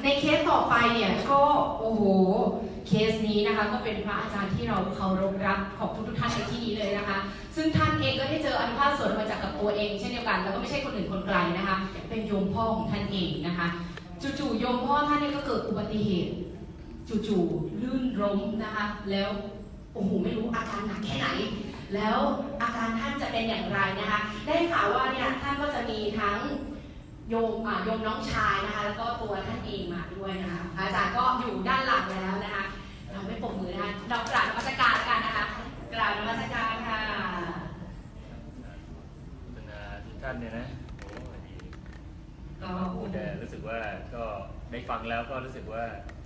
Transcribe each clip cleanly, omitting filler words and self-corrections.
เคสต่อไปเนี่ยก็โอ้โหเคสนี้นะคะก็เป็นพระอาจารย์ที่เราเคารพรักของทุกท่านในที่นี้เลยนะคะซึ่งท่านเองก็ได้เจออนุภาพสวนมาจากกับตัวเองเช่นเดียวกันแล้วก็ไม่ใช่คนอื่นคนไกลนะคะเป็นโยมพ่อของท่านเองนะคะจู่ๆโยมพ่อท่านเนี่ยก็เกิดอุบัติเหตุจู่ๆลื่นล้มนะคะแล้วโอ้โหไม่รู้อาการหนักแค่ไหนแล้วอาการท่านจะเป็นอย่างไรนะคะได้ข่าวว่าเนี่ยท่านก็จะมีทั้งโยมน้องชายนะคะแล้วก็ตัวท่านเองมาด้วยนะคะอาจารย์ก็อยู่ด้านหลังแล้วนะคะเราไม่ปรบมือนะคะเรากราบนมัสการกันนะคะกราบนมัสการค่ะทุกท่านเนี่ยนะโอ้ดีก็พูดแต่รู้สึกว่าก็ได้ฟังแล้วก็รู้สึกว่า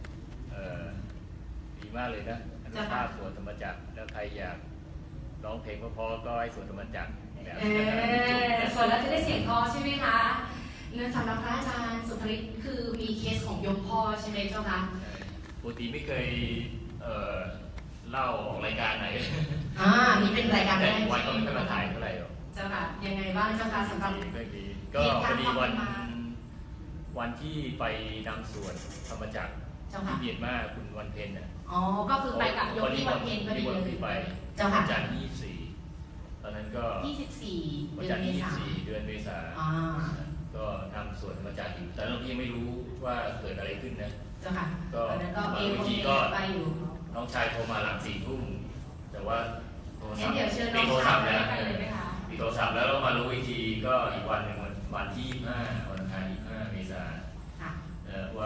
ดีมากเลยนะอนุภาพสวนธรรมจักรแล้วใครอยากร้องเพลงเพราะๆก็ให้สวนธรรมจักรแบบส่วนแล้วจะได้เสียงเพอใช่ไหมคะเนื่องสำหรับพระอาจารย์สุภริตคือมีเคสของโยมพ่อใช่ไหมเจ้าคะปกติไม่เคยเล่าออกรายการไหนนี่เป็นรายการแรกวันก็ไม่เคยมาถ่ายเท่าไหร่หรอกเจ้าค่ะยังไงบ้างเจ้าค่ะสำหรับก็พอดีวันที่ไปนำสวนธรรมจักรที่เบียดมากคุณวันเพ็ญเนี่ยก็คือไปกับโยมที่วันเพ็ญพอดีเลยไปเจ้าค่ะจันทร์24ตอนนั้นก็ 24 วันจันทร์24เดือนเมษาก็นำสวนธรรมจักรอยู่แต่เรายังไม่รู้ว่าเกิดอะไรขึ้นนะเจ้าค่ะก็บางทีก็น้องชายโทรมาหลัง4 ทุ่มแต่ว่าโทรศัพท์มีโทรศัพท์แล้วมีโทรศัพท์แล้วมารู้อีกทีก็อีกวันหนึ่งวันที่25วันอังคาร25 เมษายนว่า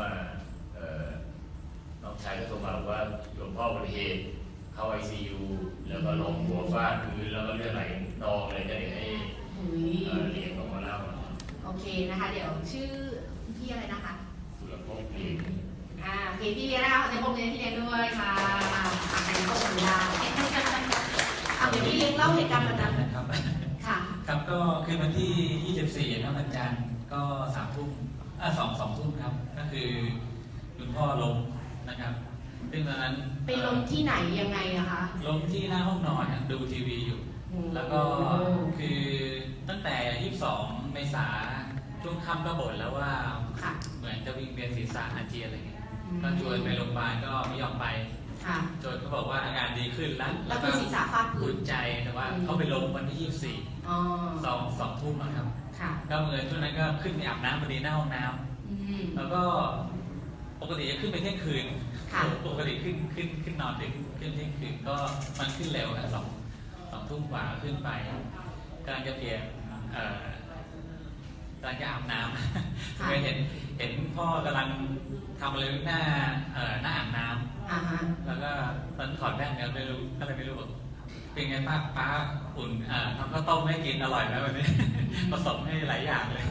น้องชายก็โทรมาบอกว่าหลวงพ่ออุบัติเหตุเข้า ICU แล้วก็ล้มหัวฟาดพื้นแล้วก็เลือดไหลนองเลยจะเดี๋ยวให้เรียนออกมาเล่าโอเคนะคะเดี๋ยวชื่อพี่อะไรนะคะสุรพงษ์พี่พี่เลี้ยงนะคะในพวกเลี้ยงพี่เลี้ยงด้วยค่ะในพวกสัญญาเดี๋ยวพี่เลี้ยงเล่าเหตุการณ์วันนั้นครับค่ะครับก็คือวันที่24นะวันจันทร์ก็3 ทุ่ม2 ทุ่มครับก็คือคุณพ่อล้มนะครับซึ่งตอนนั้นไปล้มที่ไหนยังไงอะคะล้มที่หน้าห้องนอนดูทีวีอยู่แล้วก็คือตั้งแต่22 เมษาช่วงค่ำก็บ่นแล้วว่าเหมือนจะวิ่งเวียนศีรษะอาเจียนอะไรเงี้ยก็ชวนไปโรงพยาบาลก็ไม่ยอมไปจนเขาบอกว่าอาการดีขึ้นแล้วก็ศีรษะฟาดพื้นใจแต่ว่าเขาไปล้มวันที่24 2 ทุ่มครับก็เหมือนช่วงนั้นก็ขึ้นไปอาบน้ำพอดีหน้าห้องน้ำแล้วก็ปกติจะขึ้นไปเที่ยงคืนปกติขึ้นนอนดึกขึ้นเที่ยงคืนก็มันขึ้นเร็วนะ2 ทุ่มกว่าขึ้นไปกำลังจะเปลี่ยนกำลังจะอาบน้ำเคยเห็นพ่อกำลังทำอะไรหน้าอาบน้ำแล้วก็ตอนถอดแว่นก็ไม่รู้อะไรไม่รู้บอกเป็นไงป้าอุ่นทำข้าวต้มให้กินอร่อยไหมวันนี้ผสมให้หลายอย่างเลย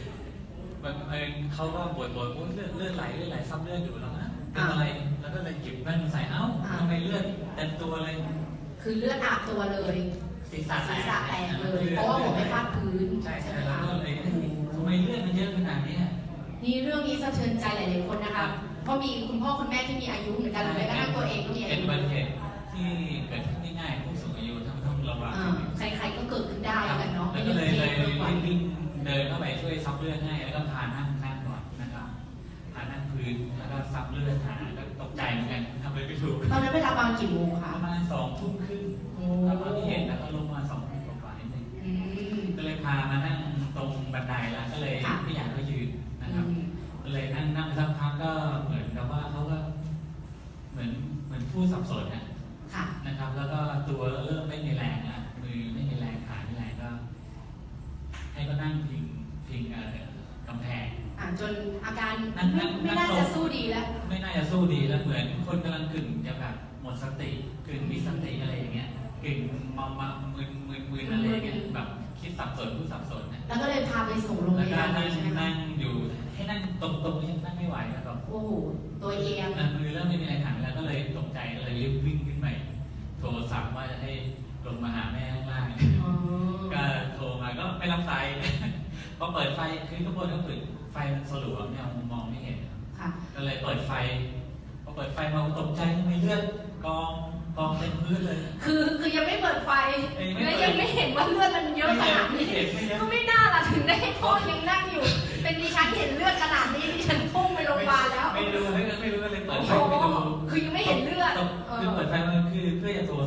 เขาก็บ่นเลือดไหลซับเลือดอยู่แล้วนะเป็นอะไรแล้วก็เลยหยิบแว่นใส่ทำไมเลือดเต็มตัวเลยคือเลือดอาบตัวเลยศีรษะแตกเลยเพราะว่าผมไปฟาดพื้นใช่แล้วก็เลยทำไมเลือดมันเยอะขนาดนี้นี่เรื่องนี้สะเทือนใจหลายๆคนนะคะเพราะมีคุณพ่อคุณแม่ที่มีอายุเหมือนกันเลยก็ทั้งตัวเองก็มีอายุเป็นอุบัติเหตุที่เกิดขึ้นง่ายๆผู้สูงอายุต้องระวังใครๆก็เกิดขึ้นได้กันเนาะแล้วก็เลยวิ่งเดินเข้าไปช่วยซับเลือดให้แล้วก็พานั่งก่อนนะครับพานั่งพื้นแล้วก็ซับเลือดหาก็ตกใจเหมือนกันทำอะไรไม่ถูกตอนนั้นเวลาประมาณกี่โมงคะประมาณ2 ทุ่มครึ่งตอนที่เห็นแล้วก็ลงมา2 ทุ่มกว่านิดนึงก็เลยพามานั่งตรงบันไดแล้วก็เลยไม่อยากให้ยืนนะครับก็เลยนั่งสักพักก็เหมือนกับว่าเขาก็เหมือนผู้สับสนนะครับแล้วก็ตัวเริ่มไม่มีแรงมือไม่มีแรงขาไม่แรงก็ให้ก็นั่งพิงกำแพงจนอาการไม่น่าจะสู้ดีแล้วไม่น่าจะสู้ดีแล้วเหมือนคนกำลังกึ่งจะแบบหมดสติกึ่งมีสติอะไรอย่างเงี้ยกึ่งมามึนอะไรอย่างเงี้ยแบบคิดสับสนผู้สับสนแล้วก็เลยพาไปส่งโรงพยาบาลใช่ไหมนั่งอยู่ให้นั่งตรงๆนั่งไม่ไหวแล้วแบบโอ้โหตัวเองมือเริ่มไม่มีแรงขันแล้วก็เลยตกใจเลยรีบวิ่งขึ้นไปโทรสั่งว่าจะให้ลงมาหาแม่ข้างล่างก็โทรมาก็ไม่รับสายพอเปิดไฟคือทุกคนก็เปิดไฟมันสลัวเนี่ยมองไม่เห็นก็เลยเปิดไฟพอเปิดไฟมาตกใจทำไมเลือดกองเต็มพื้นเลยคือยังไม่เปิดไฟและยังไม่เห็นว่าเลือดมันเยอะขนาดนี้ก็ไม่น่าละถึงได้พ่อยังนั่งอยู่เป็นดิฉันเห็นเลือดขนาดนี้ดิฉันพุ่งไปโรงพยาบาลแล้วไม่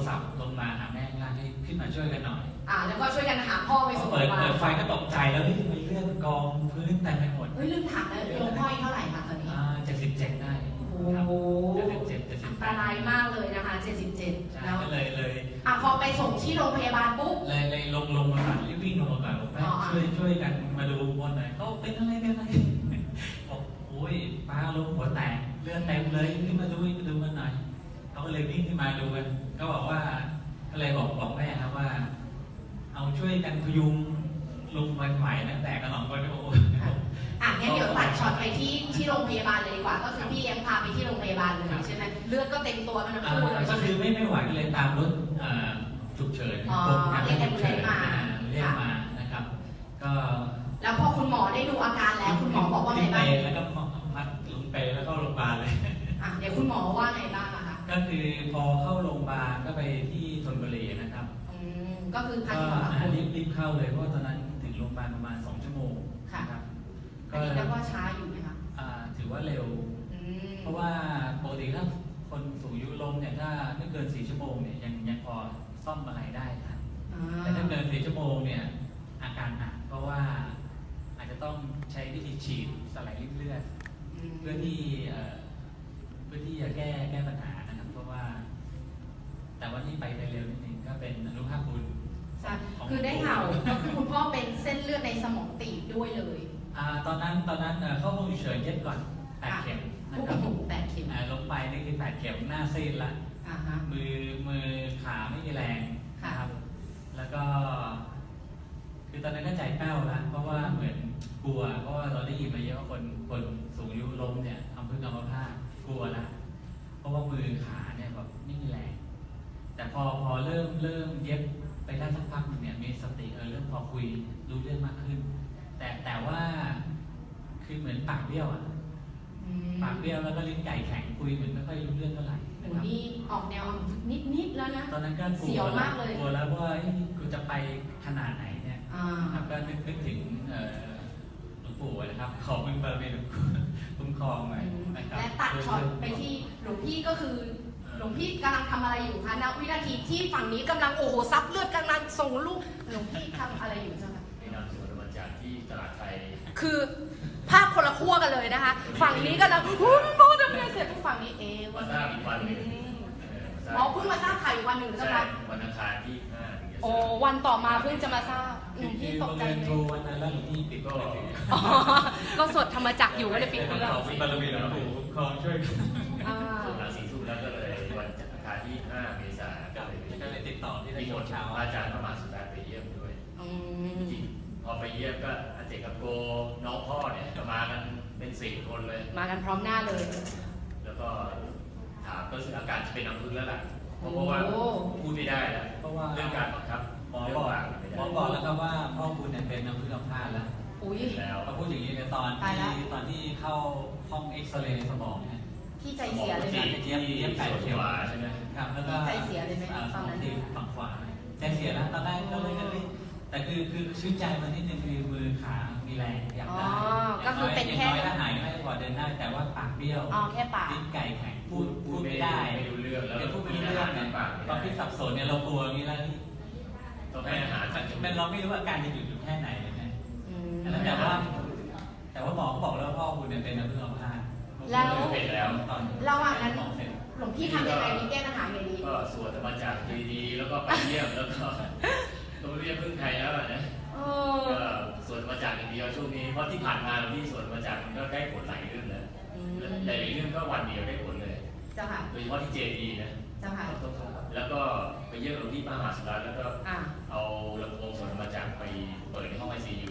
ศัพท์ลงมาหาแม่ข้างล่างให้ขึ้นมาช่วยกันหน่อยแล้วก็ช่วยกันหาพ่อไปส่งโรงพยาบาลเปิดไฟก็ตกใจแล้วที่ไปเลือดกองพื้นเต็มไปหมดลืมถามแล้วโยมพ่ออายุเท่าไหร่คะตอนนี้ 77ได้โอ้โหอันตรายมากเลยนะคะ77แล้วเลยพอไปส่งที่โรงพยาบาลปุ๊บเลยลงมาก่อนรีบวิ่งลงมาก่อนบอกแม่ช่วยกันมาดูบนหน่อยเขาเป็นอะไรบอกโอ้ยป้าลงหัวแตกเลือดเต็มเลยขึ้นมาดูกันหน่อยเขาก็เลยวิ่งขึ้นมาดูกันก็บอกว่าก็เลยบอกแม่ครับว่าเอาช่วยกันพยุงลุงวันใหม่นะแต่กระหน่ำก็โอ้งั้นเดี๋ยวตัดช็อตไปที่โรงพยาบาลเลยดีกว่าก็คือพี่เลี้ยงพาไปที่โรงพยาบาลเลยใช่ไหมเลือดก็เต็มตัวมันทั้งคู่เลยก็คือไม่ไหวเลยตามรถฉุกเฉินเรียกแอมบูเลนซ์มานะครับก็แล้วพอคุณหมอได้ดูอาการแล้วคุณหมอบอกว่าไงบ้างแล้วก็มัดลงไปแล้วก็โรงพยาบาลเลยเดี๋ยวคุณหมอว่าไงบ้างคะก็คือพอเข้าโรงพยาบาลก็ไปที่ธนบุรีนะครับก็คือรีบเข้าเลยเพราะตอนนั้นถึงโรงพยาบาลประมาณ2 ชั่วโมงครับก็แล้วก็ช้าอยู่ไหมคะถือว่าเร็วเพราะว่าปกติถ้าคนสูงอายุลงเนี่ยถ้าไม่เกิน4 ชั่วโมงเนี่ยยังพอซ่อมอะไรได้ครับแต่ถ้าเกิน4 ชั่วโมงเนี่ยอาการหนักเพราะว่าอาจจะต้องใช้วิธีฉีดสลายริ่มเลือดเพื่อที่จะแก้ปัญหานะครับเพราะว่าแต่ว่าที่ไปเร็วนิดนึงก็เป็นอนุภาพบุญคือได้ข่าวก็คือคุณพ่อเป็นเส้นเลือดในสมองตีบด้วยเลยตอนนั้นเข้าห้องฉุกเฉินเย็บก่อน8 เข็มนะครับ 8 เข็มลงไปนี่คือ8 เข็มหน้าซีดละมือขาไม่มีแรงนะครับแล้วก็คือตอนนั้นก็ใจแป้วแล้วเพราะว่าเหมือนกลัวเพราะว่าเราได้ยินมาเยอะว่าคนสูงอายุล้มเนี่ยทำพึ่งอัมพาตกลัวแล้วเพราะว่ามือขาเนี่ยแบบไม่มีแรงแต่พอเริ่มเย็บไปได้สักพักนึงเนี่ยมีสติเริ่มพอคุยรู้เรื่องมากขึ้นแต่ว่าคือเหมือนปากเบี้ยวปากเบี้ยวแล้วก็ลิ้นไก่แข็งคุยเหมือนไม่ค่อยรู้เรื่องเท่าไหร่นะครับนี่ออกแนวนิดแล้วนะตอนนั้นก็เสียวมากเลยกลัวแล้วว่ากูจะไปขนาดไหนเนี่ยครับก็นึกถึงหลวงปู่นะครับขอมึงเปิดเป็นคุ้มครองหน่อยนะครับและตัดช็อตไปที่หลวงพี่ก็คือหลวงพี่กำลังทำอะไรอยู่คะณวินาทีที่ฝั่งนี้กำลังซับเลือดกำลังส่งลูกหลวงพี่ทำอะไรอยู่เจ้าคะไปนำสวนมาจากที่ตลาดไทยคือภาพคนละขั้วกันเลยนะคะฝั่งนี้กำลังพ่อทำงานเสร็จฝั่งนี้มาทราบอีกวันหนึ่งเพิ่งมาทราบข่าวอีกวันหนึ่งใช่ไหมวันอังคารที่วันต่อมาเพิ่งจะมาทราบหลวงพี่ตกใจเลยวันนั้นแล้วหลวงพี่ปิดก็สวดธรรมจักรอยู่ก็เลยปิดเครื่องบารมีหลวงปู่คองช่วยส่วนหลัง4 ทุ่มแล้วก็เลยวันอังคารที่5 เมษายนก็เลยติดต่อที่ได้เช้าอาจารย์พระมหาสุดาไปเยี่ยมด้วยจริงพอไปเยี่ยมก็อาเจกับโกน้องพ่อเนี่ยก็มากันเป็น10 คนเลยมากันพร้อมหน้าเลยแล้วก็ถามก็อาการจะเป็นน้ำพึ่งแล้วล่ะเพราะว่าพูดไม่ได้แล้วเพราะว่าเรื่องการบังคับหมอบอกแล้วครับว่าพ่อคุณเนี่ยเป็นน้ำพึ่งอัมพาตแล้วแล้วเขาพูดอย่างนี้ในตอนที่เข้าห้องเอ็กซเรย์สมองเนี่ยที่ใจเสียเลยไหมเย็บ8 เข็มใช่ไหมครับแล้วก็ใจเสียเลยไหมฝั่งนั้นฝั่งขวาใจเสียแล้วตอนแรกก็เลยแต่คือชื่นใจมันนิดนึงคือมือขามีแรงอยากได้ก็คือเป็นแค่ถ้าหายไม่พอเดินได้แต่ว่าปากเบี้ยวแค่ปากลิ้นไก่แข็งพูดไม่ได้ไม่รู้เรื่องแล้วพูดไม่รู้เรื่องเนี่ยตอนที่สับสนเนี่ยเรากลัวอย่างนี้แล้วต้องให้อาหารมันเราไม่รู้ว่าการจะหยุดอยู่แค่ไหนนะแต่ว่าหมอเขาบอกแล้วพ่อคุณเนี่ยเป็นน้ำพึ่งอัมพาตแล้วเป็นแล้วตอนระหว่างนั้นหลวงพี่ทำยังไงดีแก้ปัญหาอย่างนี้ก็สวดธรรมจักรดีๆแล้วก็ไปเยี่ยมแล้วก็ต้องเรียกพึ่งไทยแล้วนะก็สวดธรรมจักรอย่างเดียวช่วงนี้เพราะที่ผ่านมาเราที่สวดธรรมจักรมันก็ได้ผลหลายเรื่องแล้วหลายเรื่องก็วันเดียวได้ผลเลยเจ้าค่ะโดยเฉพาะที่เจดีนะเจ้าค่ะแล้วก็ไปเยี่ยมหลวงพี่มหาสุรัตน์แล้วก็เอาลำโพงสวดธรรมจักรไปเปิดในห้อง ICU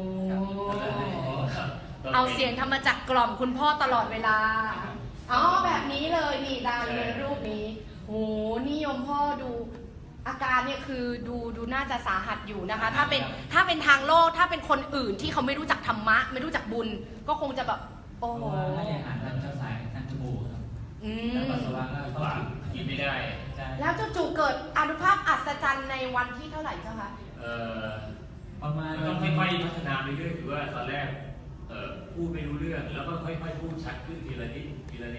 เอาเสียงธรรมจักรกล่อมคุณพ่อตลอดเวลาแบบนี้เลยนี่ตามในรูปนี้โหนิยมพ่อดูอาการเนี่ยคือดูน่าจะสาหัสอยู่นะคะถ้าเป็นทางโลกถ้าเป็นคนอื่นที่เขาไม่รู้จักธรรมะไม่รู้จักบุญก็คงจะแบบโอ้โหให้อาหารทางเจ้าสายทางจมูกครับแล้วปัสสาวะก็ปากกินไม่ได้แล้วจู่ๆเกิดอานุภาพอัศจรรย์ในวันที่เท่าไหร่เจ้าคะประมาณต้องค่อยๆพัฒนาไปเรื่อยคือว่าตอนแรกพูดไม่รู้เรื่องแล้วก็ค่อยๆพูดชัดขึ้นทีละนิด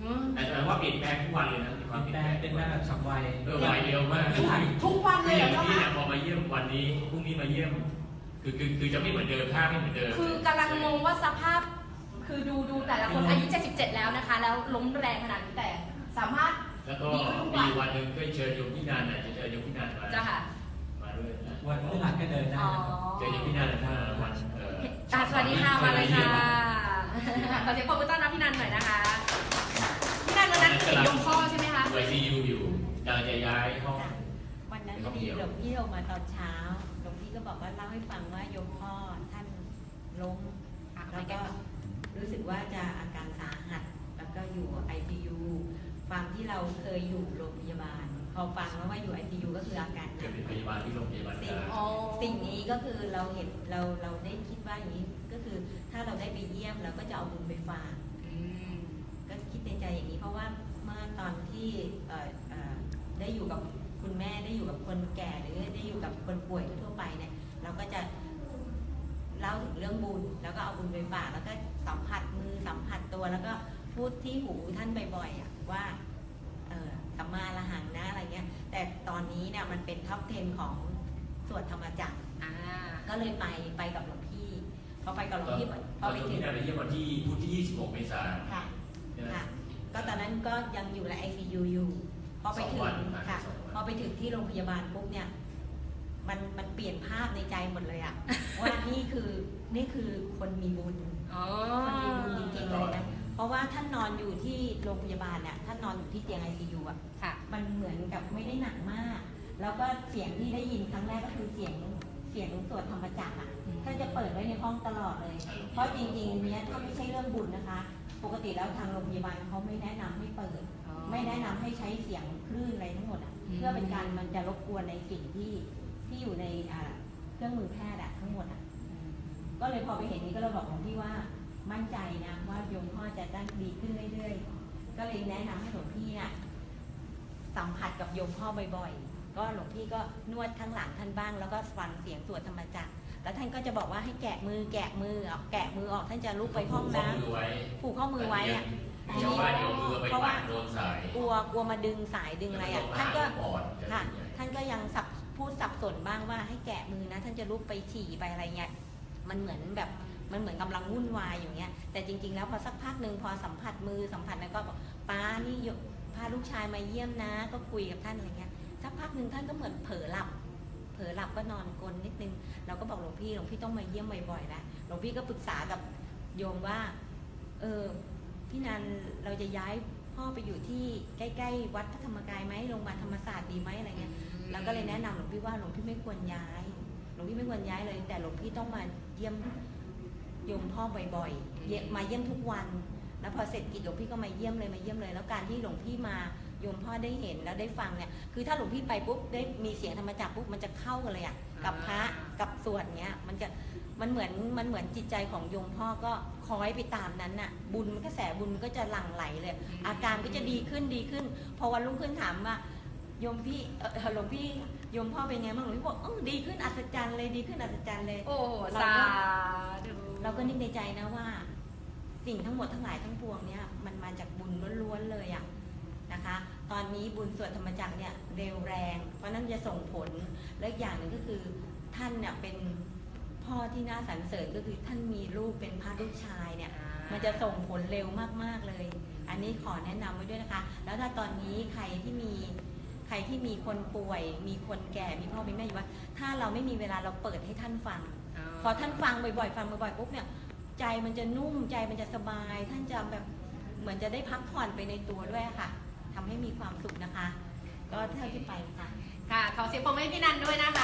แต่ว่าเปลี่ยนแปลงทุกวันเลยนะมีความเปลี่ยนแปลงเป็นแบบฉับไวไวเร็วมากทุกวันเลยเหรอที่เจ้าคะพอมาเยี่ยมวันนี้พรุ่งนี้มาเยี่ยมคือจะไม่เหมือนเดิมท่าไม่เหมือนเดิมคือกำลังงงว่าสภาพคือดูแต่ละคนอายุ77แล้วนะคะ แล้วล้มแรงขนาดนี้แต่สามารถแล้วก็มีวันหนึ่งก็เชิญโยมพี่นันจะเชิญโยมพี่นันมาจ้าค่ะมาด้วยนะวันพฤหัสก็เดินได้อ๋อเจอโยมพี่นันถ้าวันสวัสดีค่ะมาเลยค่ะขอเสียงปรบมือต้อนรับพี่นันหน่อยนะคะพี่นันวันนั้นเห็นยมพ่อใช่ไหมคะไวซียูอยู่กำลังจะย้ายห้องวันนั้นพอดีหลวงพี่โทรมาตอนเช้าหลวงพี่ก็บอกว่าเล่าให้ฟังว่าโยมพ่อท่านล้มแล้วก็รู้สึกว่าจะอาการสาหัสแล้วก็อยู่ ICU ฟังที่เราเคยอยู่โรงพยาบาลพอฟังแล้วว่าอยู่ ICU ก็คืออาการหเกินัดกเป็นพยาบาลที่โรงพยาบาลกลางสิ่งนี้ก็คือเราเห็นเราได้คิดว่าอย่างนี้ก็คือถ้าเราได้ไปเยี่ยมเราก็จะเอาบุญไปฝากก็คิดในใจอย่างนี้เพราะว่าเมื่อตอนที่ได้อยู่กับคุณแม่ได้อยู่กับคนแก่หรือได้อยู่กับคนป่วยทั่วไปเนี่ยเราก็จะเล่าถึงเรื่องบุญแล้วก็เอาบุญไปฝากแล้วก็สัมผัสมือสัมผัสตัวแล้วก็พูดที่หูท่านบ่อยๆว่าสัมมาละหังนะอะไรเงี้ยแต่ตอนนี้เนี่ยมันเป็นท็อป 10 ของสวดธรรมจักรก็เลยไปกับหลวงพี่พอไปกับหลวงพี่พอไปถึงไปเยี่ยมวันที่พุธที่26 เมษายนค่ะก็ตอนนั้นก็ยังอยู่ใน ICU อยู่พอไปถึงค่ะพอไปถึงที่โรงพยาบาลปุ๊บเนี่ยมันเปลี่ยนภาพในใจหมดเลยอะว่านี่คือคนมีบุญคนมีบุญจริงๆเลยนะเพราะว่าท่านนอนอยู่ที่โรงพยาบาลเนี่ยท่านนอนอยู่ที่เตียง ICU อะมันเหมือนกับไม่ได้หนักมาก แล้วก็เสียงที่ได้ยินครั้งแรกก็คือเสียงสวดธรรมจักรอะท่านจะเปิดไว้ในห้องตลอดเลย เพราะจริงๆเนี้ยถ้าไม่ใช่เรื่องบุญนะคะปกติแล้วทางโรงพยาบาลเขาไม่แนะนำให้เปิดไม่แนะนำให้ใช้เสียงคลื่นอะไรทั้งหมดอ่ะเพื่อเป็นการมันจะรบกวนในสิ่งที่อยู่ในเครื่องมือแพทย์ทั้งหมดอ่ะก็เลยพอไปเห็นนี้ก็เลยบอกหลวงพี่ว่ามั่นใจนะว่าโยมพ่อจะได้ดีขึ้นเรื่อยๆก็เลยแนะนำให้หลวงพี่น่ะสัมผัสกับโยมพ่อบ่อยๆก็หลวงพี่ก็นวดข้างหลังท่านบ้างแล้วก็ฟังเสียงสวดธรรมจักรแล้วท่านก็จะบอกว่าให้แกะมือออกท่านจะลุกไปห้องน้ำผูกข้อมือไว้อะทีนี้เพราะว่ากลัวมาดึงสายดึงอะไรอ่ะท่านก็ค่ะท่านก็ยังพูดสับสนบ้างว่าให้แกะมือนะท่านจะลุกไปฉี่ไปอะไรเงี้ยมันเหมือนกำลังวุ่นวายอย่างเงี้ยแต่จริงๆแล้วพอสักพักหนึ่งพอสัมผัสมือสัมผัสแล้วก็บอกป้านี่พาลูกชายมาเยี่ยมนะก็คุยกับท่านอะไรเงี้ยสักพักหนึ่งท่านก็เหมือนเผลอหลับก็นอนกลนนิดนึงเราก็บอกหลวงพี่ต้องมาเยี่ยมบ่อยๆแล้วหลวงพี่ก็ปรึกษากับโยมว่าพี่นันเราจะย้ายพ่อไปอยู่ที่ใกล้ๆวัดพระธรรมกายไหมโรงพยาบาลธรรมศาสตร์ดีไหมอะไรเงี้ยแล้วก็เลยแนะนำหลวงพี่ว่าหลวงพี่ไม่ควรย้ายเลยแต่หลวงพี่ต้องมาเยี่ยมโยมพ่อบ่อยๆมาเยี่ยมทุกวันแล้วพอเสร็จกิจหลวงพี่ก็มาเยี่ยมเลยแล้วการที่หลวงพี่มาโยมพ่อได้เห็นแล้วได้ฟังเนี่ยคือถ้าหลวงพี่ไปปุ๊บได้มีเสียงธรรมจักรปุ๊บมันจะเข้ากันเลยอ่ะกับพระกับสวดเนี้ยมันเหมือนจิตใจของโยมพ่อก็คล้อยไปตามนั้นน่ะบุญกระแสบุญก็จะหลั่งไหลเลยอาการก็จะดีขึ้นพอวันรุ่งขึ้นถามว่าโยมพี่หลวงพี่โยมพ่อเป็นไงบ้างหลวงพี่บอกดีขึ้นอัศจรรย์เลยโอ้สาธุเราก็นึกในใจนะว่าสิ่งทั้งหมดทั้งหลายทั้งปวงเนี่ยมันมาจากบุญล้วนๆเลยอ่ะนะคะตอนนี้บุญสวดธรรมจักรเนี่ยเร็วแรงเพราะนั้นจะส่งผลและอย่างหนึ่งก็คือท่านเนี่ยเป็นพ่อที่น่าสรรเสริญก็คือท่านมีลูกเป็นพระลูกชายเนี่ยมันจะส่งผลเร็วมากๆเลยอันนี้ขอแนะนำไว้ด้วยนะคะแล้วถ้าตอนนี้ใครที่มีคนป่วยมีคนแก่มีพ่อมีแม่อยู่ว่าถ้าเราไม่มีเวลาเราเปิดให้ท่านฟังพอท่านฟังบ่อยๆปุ๊บเนี่ยใจมันจะนุ่มใจมันจะสบายท่านจะแบบเหมือนจะได้พักผ่อนไปในตัวด้วยค่ะทำให้มีความสุขนะคะ ก็เท่าที่ไปค่ะขอเสียงปรบมือให้พี่นันด้วยนะคะ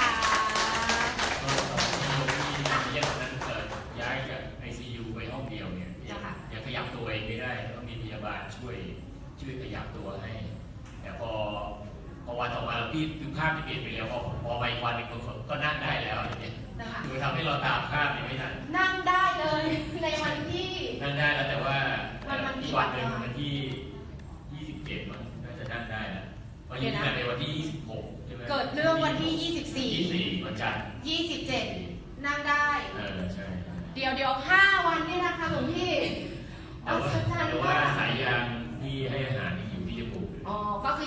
เยี่ยมนั้นย้ายจาก ICU ไปห้องเดียวเนี่ยยังขยับตัวเองไม่ได้ต้องมีพยาบาลช่วยขยับตัวให้แต่พอวันต่อมาพี่คือภาพที่เปลี่ยนไปแล้วพอไปวันหนึ่งก็นั่งได้แล้วเนี่ยคือทำให้เราตามภาพไม่ทันนั่งได้เลยในวันที่นั่งได้แล้วแต่ว่าที่วันหนึ่งวันที่27มันน่าจะนั่งได้นะเพราะยิ่งในวันที่26ใช่ไหมเกิดเรื่องวันที่ 24วันจันทร์ 27นั่งได้ใช่เดี๋ยว5 วันนี่นะคะหลวงพี่แต่ว่าสายยางที่ให้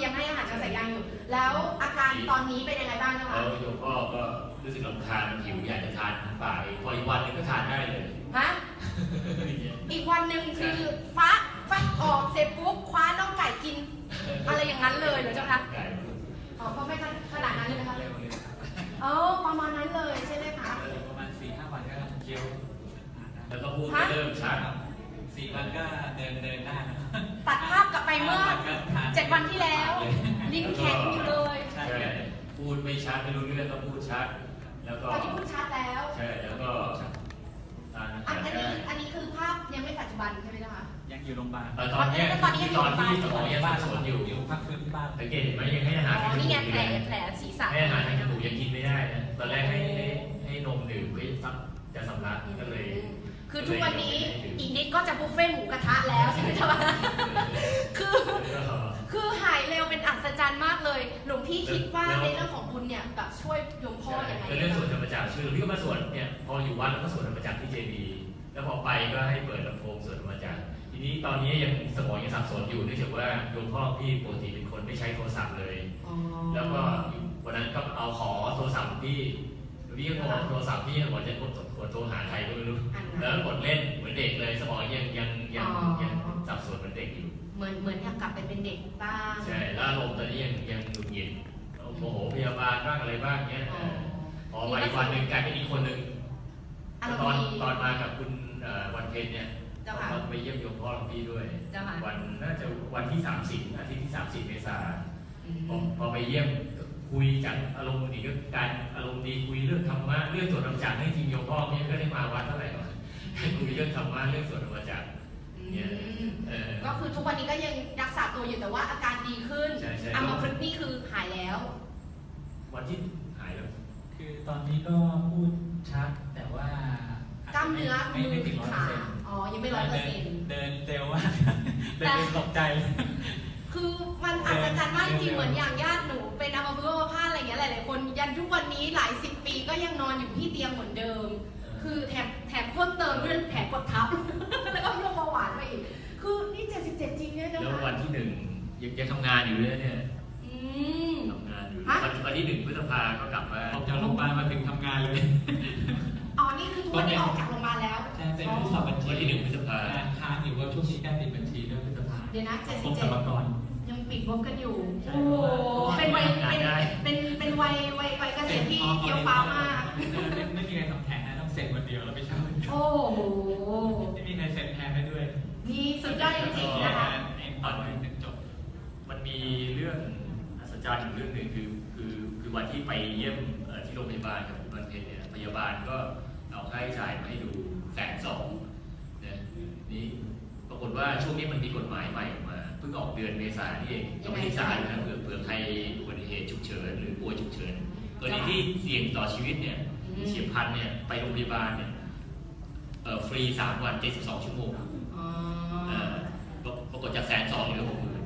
คือยังให้อาหารทางสายยางอยู่ แล้วอาการตอนนี้เป็นยังไงบ้างนะคะแล้วโยมพ่อก็รู้สึกรำคาญหิวอยากจะทานป่าพออีกวันนึงก็ทานได้เลยฮะ อีกวันหนึ่งคือฟักออกเสร็จปุ๊บคว้าน้องไก่กิน อะไรอย่างนั้นเลยเหรอเจ้าคะอ๋อก็ไม่ขนาดนั้นเลยนะคะเร็วเลยอ๋อประมาณนั้นเลยใช่ไหมคะประมาณ 4-5 วันก็เคี้ยวแล้วก็พูดเริ่มชัด 4 วันก็เดินได้นะตัดภาพกลับไปเมื่อ 7 วันที่แล้ว ลิ้นแข็งอยู่เลยใช่พูดไม่ชัดไม่รู้เรื่องก็พูดชัด แล้วก็ตอนนี้พูดชัดแล้วใช่แล้วก็ทานอาหารได้อันนี้คือภาพยังไม่ปัจจุบันใช่ไหมคะยังอยู่โรงพยาบาลตอนที่สมองยังสับสนอยู่พักฟื้นที่บ้านสังเกตเห็นไหมยังให้อาหารอ๋อนี่ไงแผลศีรษะให้อาหารทางจมูกยังกินไม่ได้นะตอนแรกให้นมดื่มไว้ซักจะสำลักก็เลยคือทุกวันนี้อีกนิดก็จะบุฟเฟ่ต์หมูกระทะแล้วใช่ไหมจ๊ะคือหายเร็วเป็นอัศจรรย์มากเลยหลวงพี่คิดว่าในเรื่องของบุญเนี่ยแบบช่วยโยมพ่ออย่างไรก็เรื่องสวดธรรมจักรชื่อพี่ก็มาสวดเนี่ยพออยู่วัดแล้วก็สวดธรรมจักรที่เจดีย์แล้วพอไปก็ให้เปิดลำโพงสวดธรรมจักรทีนี้ตอนนี้ยังสมองยังสับสนอยู่เนื่องจากว่าโยมพ่อพี่ปกติเป็นคนไม่ใช้โทรศัพท์เลยแล้วก็วันนั้นก็เอาขอโทรศัพท์พี่ก็ขอโทรศัพท์พี่บอกจะกดโทรหาใครก็ไม่รู้แล้วกดเล่นเหมือนเด็กเลยสมองยังสับสนเหมือนเด็กอยู่เหมือนอยากกลับไปเป็นเด็กบ้างใช่แล้วอารมณ์ตอนนี้ยังหงุดหงิดโมโหพยาบาลบ้างอะไรบ้างเงี้ยพอมาอีกวันหนึ่งกลายเป็นอีกคนหนึ่งตอนมากับคุณวันเพ็ญเนี่ยเราไปเยี่ยมโยมพ่อหลวงพี่ด้วยวันน่าจะวันที่30อาทิตย์ที่30 เมษายนพอไปเยี่ยมคุยจากอารมณ์ดีก็การอารมณ์ดีคุยเรื่องธรรมะเรื่องสวดธรรมจักรให้จริงโยมพ่อเนี่ยก็ได้มาวัดเท่าไหร่หรอกคุยเรื่องธรรมะเรื่องสวดธรรมจักรก็คือทุกวันนี้ก็ยังรักษาตัวอยู่แต่ว่าอาการดีขึ้นอัมพฤกษ์นี่คือหายแล้ววันที่หายแล้วคือตอนนี้ก็พูดชัดแต่ว่ากล้ามเนื้อมือขาอ๋อยังไม่100% เดินเร็วมากเดินตกใจคือมันอัศจรรย์มากจริงเหมือนอย่างญาติหนูเป็นอัมพฤกษ์อัมพาตอะไรอย่างเงี้ยหลายๆคนยันทุกวันนี้หลาย10 ปีก็ยังนอนอยู่ที่เตียงเหมือนเดิมคือแถมเพิ่มเติมเรื่องแผลกดทับแล้วก็โรคเบาหวานมาอีกคือนี่77จริงเนี่ยนะคะแล้ววันที่1ยังทำงานอยู่เลยเนี่ยทำงานอยู่วันที่1 พฤษภาก็กลับมาออกจากโรงพยาบาลมาถึงทำงานเลยอ๋อนี่คือทุกวันนี้ออกจากโรงพยาบาลแล้วใช่เป็นผู้สอบบัญชีวันที่1 พฤษภาค้างอยู่ว่าช่วงนี้ใกล้ปิดบัญชีด้วยพฤษภาเดี๋ยวนะ 77 ยังปิดงบกันอยู่โอ้โหเป็นวัยเกษียณที่เกี่ยวฟ้ามากไม่มีใครทำแทนนะต้องเสร็จวันเดียวแล้วไปเช่าโอ้โหไม่มีใครเสร็จแทนได้ด้วยนี่สุดยอดจริงๆนะคะตอนนึงจบมันมีเรื่องอัศจรรย์อยู่เรื่องหนึ่งคือวันที่ไปเยี่ยมที่โรงพยาบาลกับคุณวันเพ็ญเนี่ยพยาบาลก็เอาค่าใช้จ่ายมาให้ดู120,000เนี่ยนี่ปรากฏว่าช่วงนี้มันมีกฎหมายใหม่ออกมาเพิ่งออกเดือนเมษายนนี่เองยังไม่ได้จ่ายนะเผื่อใครอุบัติเหตุฉุกเฉินหรือป่วยฉุกเฉินกรณีที่เสี่ยงต่อชีวิตเนี่ยเฉียบพลันเนี่ยไปโรงพยาบาลเนี่ยฟรี3 วัน72 ชั่วโมงปรากฏจาก120,000เหลือ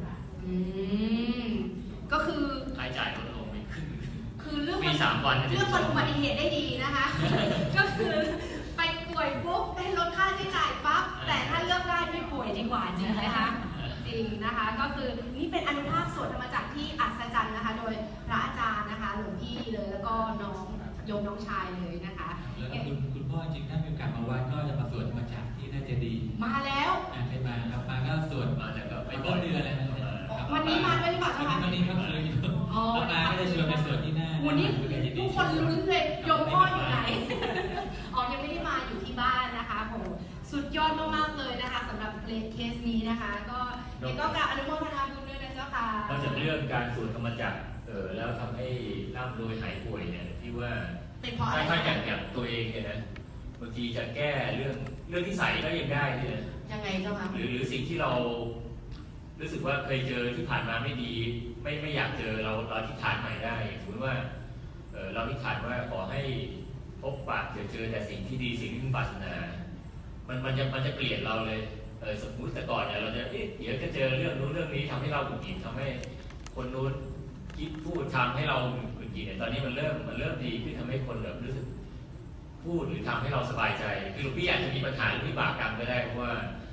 60,000ก็คือค่าใช้จ่ายลดลงไปครึ่งคือเรื่องฟรี3 วันเรื่องอุบัติเหตุได้ดีนะคะก็คือไปป่วยปุ๊บได้ลดค่าใช้จ่ายปั๊บแต่ถ้าเลือกได้ไม่ป่วยดีกว่าจริงไหมคะจริงนะคะก็คือนี่เป็นอนุภาพสวดธรรมจักรที่อัศจรรย์นะคะโดยพระอาจารย์นะคะหลวงพี่เลยแล้วก็น้องโยมน้องชายเลยนะคะแล้วคุณพ่อจริงถ้ามีโอกาสมาวัดก็จะมาสวดธรรมจักรที่น่าจะดีมาแล้วเคยมาครับมาก็สวดมาแต่ก็ไม่ต้นเดือนอะไรวันนี้มาด้วยหรือเปล่าคะวันนี้ก็เคยอยู่แล้วมาก็จะชวนไปสวดที่หน้าวันนี้ทุกคนลุ้นเลยโยมพ่ออยู่ไหนอ๋อยังไม่ได้มาอยู่ที่บ้านนะคะโหสุดยอดมากๆเลยนะคะสำหรับเคสนี้นะคะก็กราบอนุโมทนาบุญด้วยนะเจ้าค่ะนอกจากเรื่องการสวดธรรมจักรแล้วทำให้ร่ำรวยหายป่วยเนี่ยที่ว่าถ้าอย่างตัวเองเนี่ยนะบางทีจะแก้เรื่องที่ใส่ก็ยังได้เนี่ยยังไงเจ้าค่ะหรือสิ่งที่เรารู้สึกว่าเคยเจอที่ผ่านมาไม่ดีไม่อยากเจอเราอธิษฐานใหม่ได้สมมติว่าเราอธิษฐานว่าขอให้พบปะเจอแต่สิ่งที่ดีสิ่งที่พึงปรารถนามันจะเปลี่ยนเราเลยสมมุติแต่ก่อนเนี่ยเราจะเดี๋ยวจะเจอเรื่องนู้นเรื่องนี้ทำให้เราหงุดหงิดทำให้คนนู้นคิดพูดทำให้เราหงุดหงิดเนี่ยตอนนี้มันเริ่มดีขึ้นทำให้คนแบบรู้สึกพูดหรือทำให้เราสบายใจคือหลวงพี่อาจจะมีปัญหาหรือวิบากกรรมก็ได้เพราะว่า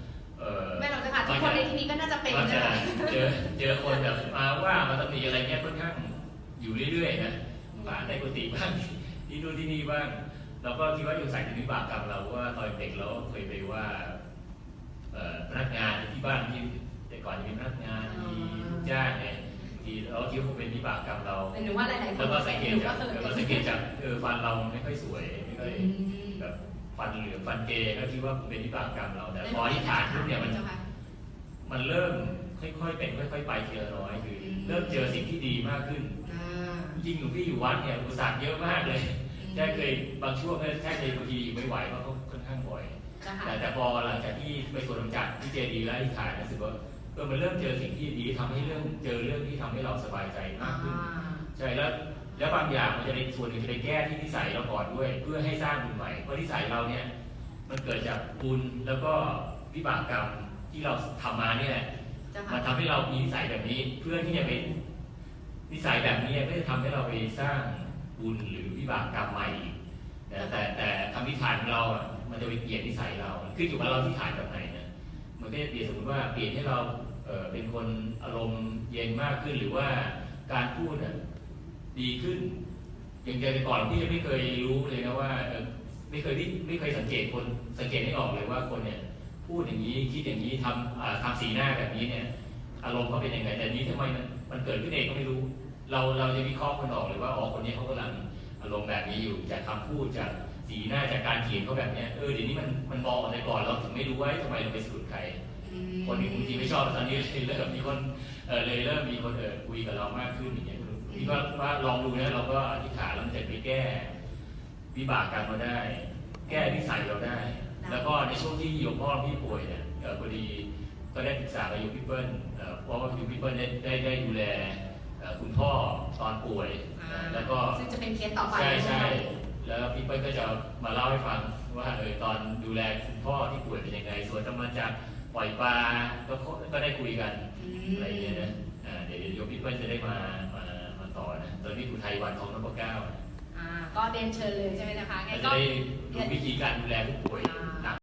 ไม่เราจะค่ะทุกคนในที่นี้ก็น่าจะเป็นก็นะจะคะเจอคนแบบมาว่ามาตำหนิอะไรเงี้ยค่อนข้างอยู่เรื่อยๆนะป่าในกุฏิบ้างที่นู่นที่นี่บ้างเราก็คิดว่าอยู่ใส่ถึงวิบากกรรมเราว่าตอนเด็กเราเคยไปว่าพนักงานที่บ้านที่แต่ก่อนจะมีพนักงานมีลูกจ้างไงที่เราคิดว่าคงเป็นวิบากกรรมเราหรือว่าหลายๆคนแล้วก็สังเกตหรือจากว่าแล้วก็สังเกตจากฟันเราไม่ค่อยสวยไม่ค่อยแบบฟันเหลืองฟันเกย์ก็คิดว่าเป็นวิบากกรรมเราแต่พอที่ฐานปุ๊บเนี่ยมันเริ่มค่อยๆเป็นค่อยๆไปทีละน้อยคือเริ่มเจอสิ่งที่ดีมากขึ้นจริงหลวงพี่อยู่วัดเนี่ยอุปสรรคเยอะมากเลยแค่เคยบางช่วงแค่เคยบางทีอยู่ไม่ไหวเพราะเขาค่อนข้างบ่อยแต่พอหลังจากที่ไปสวดธรรมจักรที่เจดีย์และที่ฐานรู้สึกว่ามันเริ่มเจอสิ่งที่ดีทำให้เจอเรื่องที่ทำให้เราสบายใจมากขึ้นใช่แล้วบางอย่างมันจะในส่วนหนึ่งจะไปแก้ที่นิสัยเราก่อนด้วยเพื่อให้สร้างบุญใหม่เพราะนิสัยเราเนี่ยมันเกิดจากบุญแล้วก็วิบากกรรมที่เราทำมาเนี่ยมันทำให้เรามีนิสัยแบบนี้เพื่อที่จะเป็นนิสัยแบบนี้ก็จะทำให้เราไปสร้างบุญหรือวิบากกรรมใหม่แต่คำอธิษฐานของเราอ่ะมันจะไปเปลี่ยนนิสัยเราขึ้นอยู่กับเราที่ฐานแบบไหนนะมันก็จะเปลี่ยนสมมติว่าเปลี่ยนให้เราเป็นคนอารมณ์เย็นมากขึ้นหรือว่าการพูดดีขึ้นอย่างแต่ก่อนพี่ยังไม่เคยรู้เลยนะว่าไม่เคยสังเกตไม่ออกเลยว่าคนเนี่ยพูดอย่างนี้คิดอย่างนี้ทำสีหน้าแบบนี้เนี่ยอารมณ์เขาเป็นยังไงแต่นี้ทำไมมันเกิดขึ้นเองก็ไม่รู้เราจะวิเคราะห์คนออกเลยว่าอ๋อคนนี้เขากำลังอารมณ์แบบนี้อยู่จากคำพูดจากสีหน้าจากการเขียนเขาแบบเนี้ยเดี๋ยวนี้มันมองอะไรก่อนเราถึงไม่รู้ว่าทำไมเราไปสะดุดใครคนที่บางทีไม่ชอบตอนนี้เริ่มมีคนเลยเริ่มมีคนคุยกับเรามากขึ้นอย่างเงี้ยพี่ก็ว่าลองดูนะเราก็อธิษฐานแล้วมันจะไปแก้วิบากกรรมเราได้ แก้นิสัยเราได้ แล้วก็ในช่วงที่โยมพ่อพี่ป่วยเนี่ยพอดีก็ได้ปรึกษากับโยมพี่เปิ้ลเพราะว่าโยมพี่เปิ้ลได้ดูแลคุณพ่อตอนป่วยแล้วก็ซึ่งจะเป็นเคสต่อไปใช่แล้วพี่เปิ้ลก็จะมาเล่าให้ฟังว่าตอนดูแลคุณพ่อที่ป่วยเป็นยังไงส่วนจะมาจากปล่อยปลาก็ได้คุยกันอะไรอย่างเงี้ยนะเดี๋ยวโยมพี่เปิ้ลจะได้มาต่อนะตอนนี้อุทัยวันทองนพเก้าก็เรียนเชิญเลยใช่ไหมนะคะไงก็จะได้รู้วิธีการดูแลผู้ป่วย